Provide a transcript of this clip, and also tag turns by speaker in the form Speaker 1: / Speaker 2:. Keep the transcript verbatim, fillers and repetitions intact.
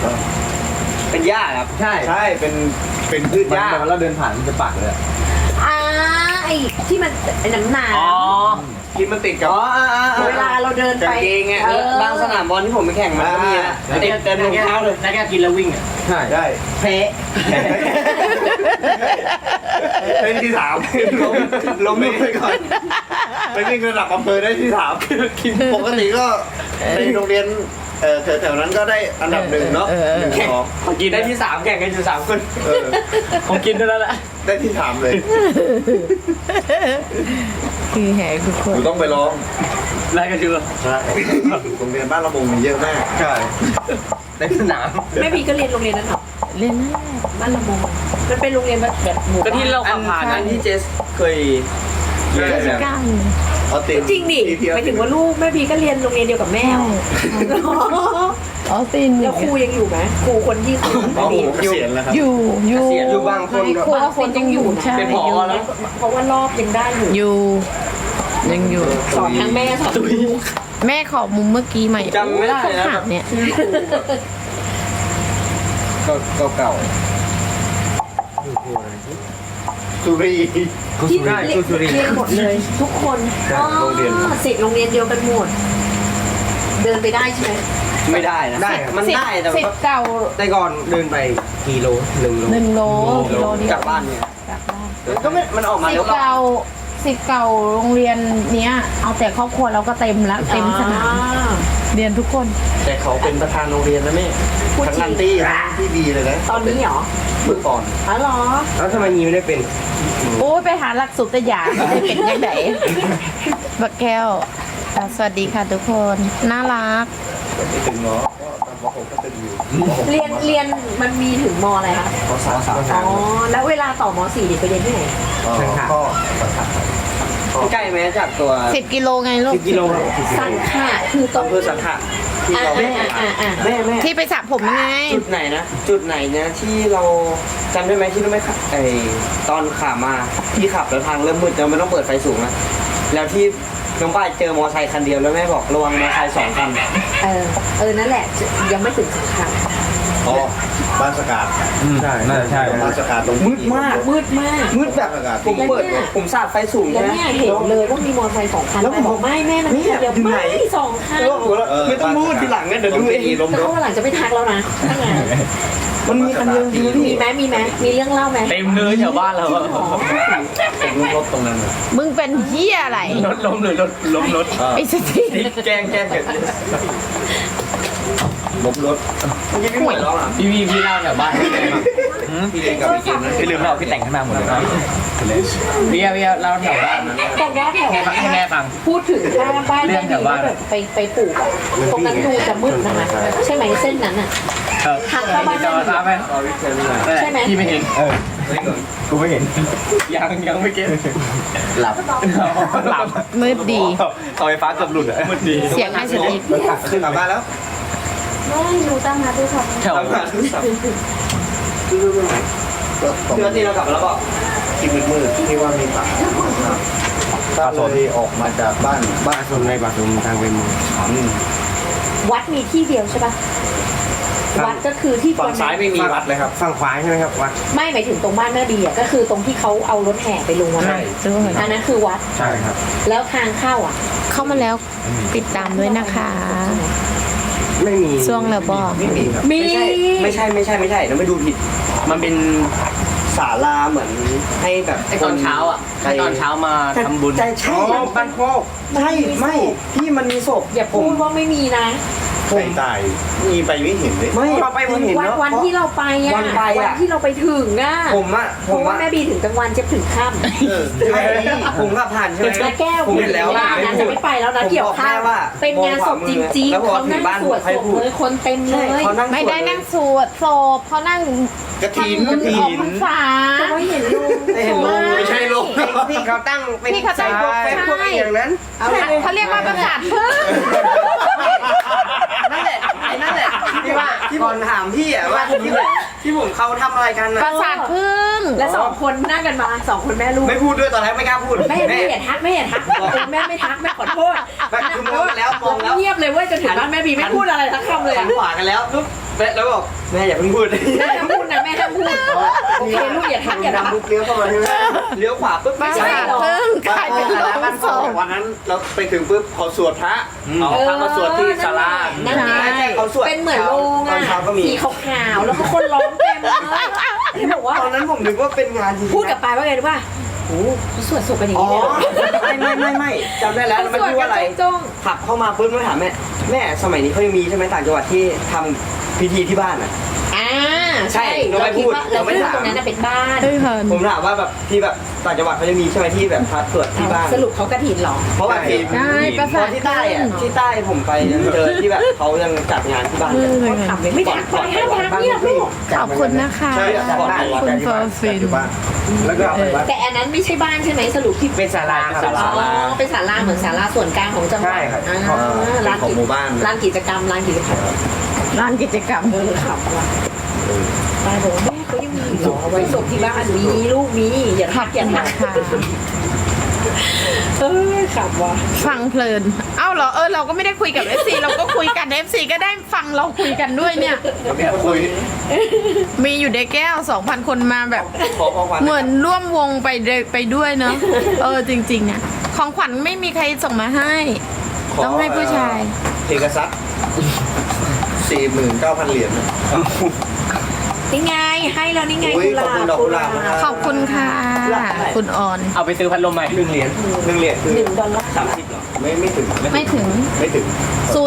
Speaker 1: เป็นหญ้าครับใช่ใช่เป็นเป็นพืชหญ้าแล้วเราเดินผ่านมันจะปักเลย
Speaker 2: อ่าไอ้ที่มันไอ้น้ำหนา
Speaker 1: อ๋อที่มันติดกับ
Speaker 2: เวลาเราเดินไป
Speaker 1: เองไงบางสนามบอลที่ผมไปแข่งมันก็มีนะติดเต็มรองเท้าเลยแล้วแกกินแล้ววิ่งอ่ะใช่ได้
Speaker 2: เพ้
Speaker 1: เป็นที่สามล้มล้มไปก่อนไปวิ่งระดับอำเภอได้ที่สามปกติก็ในโรงเรียนเออแถวๆนั้นก็ได้อันดับหนึ่งเนาะหนึ่งสองผมกินได้ที่สามแข่งกันอยู่สามคนผมกินได้แล้วแหละได้ที่สามเลย
Speaker 2: คือแหกทุกคน
Speaker 1: ต้องไปร้องไล่กันอยู่ใช่โรงเรียนบ้านระมงมีเยอะมากใช่ในสนาม
Speaker 2: แม่พีก็เรียนโรงเรียนนั้นหรอเรียนนั่นแหละบ้านละมงมันเป็นโรงเรียนแบบแบบหมู่
Speaker 1: บ้านก็ที่เราขับผ่านนั้นที่เจสเคย
Speaker 2: เจสก้าจริงดิหมายถึงว่าลูกแม่พีก็เรียนโรงเรียนเดียวกับแม่อ๋อตินแล้วครูยังอยู่ไหมครูคนที่ครู
Speaker 1: อยู่
Speaker 2: อยู่อยู่
Speaker 1: อยู่บางคน
Speaker 2: ครูคนยังอยู่ใช่เป็นพอแล้วเพราะว่ารอบยังได้อยู่อยู่ยังอยู่สอนทั้งแม่สอนลูกแม่ขอมุมเมื่อกี้ใหม่
Speaker 1: จำไม่ได้นะ
Speaker 2: เนี่ย
Speaker 1: ก็เก่าสุรี
Speaker 2: ที่เรียนหมดเลยทุกคนโรงเรียนสิทธิ์โรงเรียนเดียวกันหมดเดินไปได้ใช่ไหม
Speaker 1: ไม่ได้นะได้มันได้แต่
Speaker 2: สิทธิ์เก่า
Speaker 1: แต่ก่อนเดินไปกิโลหนึ่งโล
Speaker 2: หนึ่งโลกิโล
Speaker 1: กลับบ้านเนี่ยกลับบ้านก็ไม่มันออกมาแล้ว
Speaker 2: เก่าสิทธิ์เก่าโรงเรียนเนี้ยเอาแต่ครอบครัวเราก็เต็มแล้วเต็มสนามเรียนทุกคน
Speaker 1: แต่เขาเป็นประธานโรงเรียนนะแม่ทั้งนันตี้ที่ดีเลยนะ
Speaker 2: ตอนนี้เหรอ
Speaker 1: เมื่อก่อน
Speaker 2: อ๋อเหรอ
Speaker 1: แล้วทำไมนี้ไม่ได้เป็น
Speaker 2: โอ้ยไปหาหลักสูตรยาไม่ได้เป็นยังไงบักแก้วสวัสดีค่ะทุกคนน่ารักเรียนเรียนมันมีถึงมอะไรคะ
Speaker 1: มสาม
Speaker 2: อ๋อแล้วเวลาต่อมสี่เด็กไปเรียนที่ไหน
Speaker 1: ก็ใกล้ไหมจากตัว
Speaker 2: สิบกิโลไงลูก
Speaker 1: สิบกิโล
Speaker 2: สังขะคือตรง
Speaker 1: อำเภอสังขะที่เราแม่แม่แม่
Speaker 2: ที่ไปสระผมไง
Speaker 1: จุดไหนนะจุดไหนนะที่เราจำได้ไหมที่เราไม่ขับไอตอนขามาที่ขับแล้วทางเริ่มมืดแล้วไม่ต้องเปิดไฟสูงนะแล้วที่น้องป้ายเจอมอเตอร์ไซค์คันเดียวแล้วแม่บอกระวังมอเตอร์ไซค์สองคัน
Speaker 2: เออเออนั่นแหละยังไม่ถึงสังขะ
Speaker 1: อ๋อบ้านสกาดใช่น่าจะใช่บ้านสกาดตรงมืดมาก
Speaker 2: มืดมาก
Speaker 1: มืดแบบผมเปิดผมสาดไฟสูง
Speaker 2: แล้วเนี่ยเห็นเลยว่ามีมอเตอร์ไซค์สองคันแล้วบอกไม่แม่มันเดี๋ยวไม่สองคัน
Speaker 1: ไม่ต้องมืดทีหลังนะเดี๋ยวดูเอง
Speaker 2: แล้ววันหลังจะไม่ทักแล้วนะ
Speaker 1: มันมีคันเดียว
Speaker 2: มีไหมมีไหมมีเรื่องเล่าไหม
Speaker 1: เต็มเลยแถวบ้านเราผมรถตรงนั้น
Speaker 2: มึงเป็นเหี้ยอะไร
Speaker 1: รถล้มเลยรถล้มรถ
Speaker 2: ไอ้สติ
Speaker 1: แกล้งแกล้งเกิดล้มรถพี่พี่หมดแล้วอ่ะพี่พี่พี่เล่าแถวบ้านพี่เล่นกับพี่เกมนะพี่ลืมเล่าพี่แต่งขึ้นมาหมดเลยพี่พี่เล่าแถวบ้าน
Speaker 2: แต่ว่าแถว
Speaker 1: ให้แม่ฟัง
Speaker 2: พูดถึงถ้าบ้านแม่ดีแบบไปไปปลูกตรงนั้นดูจะมืดนะคะใช่ไหมเส้นนั้นอ่ะทางเข้าบ้านใช่ไหม
Speaker 1: พี่ไม่เห็นเออกูไม่เห็นยังยังไม่เก็ตหลับหลับ
Speaker 2: มืดดี
Speaker 1: เสาไฟฟ้าเกือบหลุดอ่ะมืดดี
Speaker 2: เสียงห้าสิบนิด
Speaker 1: ขึ้นกลับบ้านแล้ว
Speaker 2: ไม่รู้ตั้งมาด้วยค่ะ
Speaker 1: แถวบ้านเพื่อที่เรากลับแล้วก็ที่มืดมืดที่ว่ามีป่าถ้าเลยออกมาจากบ้านบ้านส่วนในป่าส่วนทางเป็น
Speaker 2: วัดมีที่เดียวใช่ปะวัดก็คือที่
Speaker 1: ฝั่งซ้ายไม่มีวัดเลยครับฝั่งขวาใช่ไหมครับวัด
Speaker 2: ไม่หมายถึงตรงบ้านแม่บีอ่ะก็คือตรงที่เขาเอารถแห่ไปลงวันนั้นอันนั้นคือวัด
Speaker 1: ใช่ครับ
Speaker 2: แล้วทางเข้าอ่ะเข้ามาแล้วติดตามด้วยนะคะ
Speaker 1: ไม่มี
Speaker 2: ช่วงแล้วบอก
Speaker 1: ไม่มีครับไม่ใช่ไม่ใช่ไม่ใช่ไม่ใช่เราไม่ดูผิดมันเป็นศาลาเหมือนให้แบบตอนเช้าอ่ะตอนเช้ามาทำบุญใช่ใช่บ้านโคกใช่ไม่พี่มันมีศพ
Speaker 2: อย่าพูดว่าไม่มีนะ
Speaker 1: ผมตายมีไปไม่เห็นเลยไม่เราไปไม่เห็น
Speaker 2: เนาะวันที่เราไปอ่ะวันไปอ่ะที่เราไปถึงอ่ะ
Speaker 1: ผมอ่ะ
Speaker 2: ผมว่าแม่บีถึงกลางวันเจ็บถึงค่ำ
Speaker 1: ใช่ผมก็ผ่านใช่ไหม
Speaker 2: แล้วแก้วผมเห็นแล้วนะจะไม่ไปแล้วนะเกี่ยวข้าวเป็นงานศพจริงๆเขานั่งสวดศพเลยคนเต็มเลยไม่ได้นั่งสวดศพเขานั่ง
Speaker 1: กระถินกระถิน
Speaker 2: ฝาไม่เห็นลุง
Speaker 1: เห็นลุงไม่ใช่ลุงที่เขาตั้งเป็น
Speaker 2: ที่เขาตั้ง
Speaker 1: เป็นพวกอย่างนั้น
Speaker 2: เขาเรียกว่าประสาทพึ่ง
Speaker 1: นั่นแหละไอ้นั่นแหละที่ว่าที่ผมถามพี่อ่ะว่าที่ที่ผมเขาทำอะไรกันนะ
Speaker 2: ประสาทพึ่งและสองคนนั่งกันมาสองคนแม่ลูก
Speaker 1: ไม่พูดด้วยตอนแรกไม่กล้าพูด
Speaker 2: แม่ไม่เห็นทักไม่เห็นทักแม่ไม่ทักแม่ขอโทษ
Speaker 1: คือมองกันแล้วมองแล้ว
Speaker 2: เงียบเลยเว้ยจนถึงบ้านแม่บีไม่พูดอะไรทักคำเลย
Speaker 1: หันขวากันแล้วปุ๊บ
Speaker 3: แม่แล้วบอกแม่อย่าเพิ่งพูด
Speaker 2: แม่ห้ามพูดนะแม่ห้ามพูดโอเคลูกอย่าทักอย่าทัก
Speaker 1: ดำบุกเลี้ยวเข้ามาใช่ไหม
Speaker 3: เลี้ยวขวาปุ๊บ
Speaker 4: บ้า
Speaker 3: ไม่ใช่
Speaker 4: เพิ่งกลายเป็นโลงศพ
Speaker 1: วันนั้นเราไปถึงปุ๊บเขาสวดพระเอาพระมาสวดที่ศาลา
Speaker 2: นั่นไง
Speaker 3: เขาสวด
Speaker 2: เป็นเหมือนโรง
Speaker 3: ตอน
Speaker 2: อ่ะ
Speaker 3: เช้าก็มี
Speaker 2: สีขาวๆแล้วก็คนร้องเต็มเลยที่บอกว่า
Speaker 3: ตอนนั้นผมนึกว่าเป็นงานจริง
Speaker 2: พูดกับปายว่าไงรู้ป่ะโอ้เขาสวดศพกันอย่าง
Speaker 3: อ๋อ
Speaker 2: นี้เลยเหรอ
Speaker 3: ไม่ไม่ไม่ไม่จำได้แล้วแล้วมันพูดว่าอะไร
Speaker 2: จ้อง
Speaker 3: ขับเข้ามาปุ๊บไม่ถามแม่แม่สมัยนี้เขายังมีใช่ไหมต่างจังหวัดที่ทำพิธีที่บ้านอ่ะ
Speaker 2: ๆอ่า
Speaker 3: ใช่
Speaker 2: ใช่
Speaker 3: เราไม่
Speaker 2: คิ
Speaker 3: พูด
Speaker 2: ว่าเรา
Speaker 3: เราไม่
Speaker 2: คิด
Speaker 3: ถาม
Speaker 2: ว่าตรงนั้นน่ะเป็นบ้าน
Speaker 4: เฮ้ยเพิ่น
Speaker 3: ผมถามว่าแบบที่แบบต่างจังหวัดเขาจะมีใช่ไหมที่แบบพระสวดที่บ้าน
Speaker 2: สรุปเขากระถินเหรอ
Speaker 3: เพราะว่าที่
Speaker 4: ใช่ประสาท
Speaker 3: ที่ใต้อะที่ใต้ผมไปยังเจอที่แบบเขายังจัดงานที่บ้านกัน
Speaker 2: เขาทำเลยไม่ทักไปห้ามทักเนี่ยลูก
Speaker 4: ขอบคุณนะคะ
Speaker 1: ใช่
Speaker 4: คุณเฟอร์ฟิน
Speaker 1: แล้วก็เอาไปวัด
Speaker 2: แต่อันนั้นไม่ใช่บ้านใช่ไหมสรุปที่
Speaker 3: เป็นศาลาครับ
Speaker 2: อ๋อเป็นศาลาเหมือนศาลาส่วนกลางของจังหวัด
Speaker 3: ใช่ครับ
Speaker 2: อ่า
Speaker 1: เป็น
Speaker 2: ร้าน
Speaker 1: ของ
Speaker 2: กิ
Speaker 1: หมู่บ้าน
Speaker 2: ร้านกิจกรรมร้านกิจกรรม
Speaker 4: ร้านกิจกรรม
Speaker 2: เออขับว่ะปายบอกว่าแม่เขายังมีเหรอไว้ศพที่บ้านมีลูกมีอย่าทักอย่าทัก
Speaker 4: ค่ะ
Speaker 2: เออขับว่ะ
Speaker 4: ฟังเพลิน เอ้าเหรอ เออ เราก็ไม่ได้คุยกับ เอฟ ซี เราก็คุยกัน เอฟ ซี ก็ได้ฟังเราคุยกันด้วยเนี่ย
Speaker 1: เรามีคนคุย
Speaker 4: มีอยู่ในแก้ว สองพัน คนมาแบบ
Speaker 3: ขอของขวัญ
Speaker 4: เหมือนร่วมวงไปเดไปด้วยเนาะ เออ จริงๆอะของขวัญไม่มีใครส่งมาให้ ต้องให้ผู้ชาย
Speaker 1: เพกาซัสสี่หมื่นเก้าพันเหรียญ
Speaker 2: นี่ไงให้แล้วนี่ไง
Speaker 1: อุ๊ย
Speaker 2: กุหลา
Speaker 1: ขอบคุณ
Speaker 2: บ
Speaker 1: ดอกกุหลาบนะครับ
Speaker 4: ขอบคุณค่ะ คุณออน
Speaker 3: เอาไปซื้อพัดลมใหม่หนึ่งเหรียญหนึ่งเหรียญคือ
Speaker 2: หนึ่งดอลลาร์
Speaker 3: สามสิบเหรอ
Speaker 1: ไม่ไม่ถึง
Speaker 4: ไม่ถึง
Speaker 1: ไม่ถึง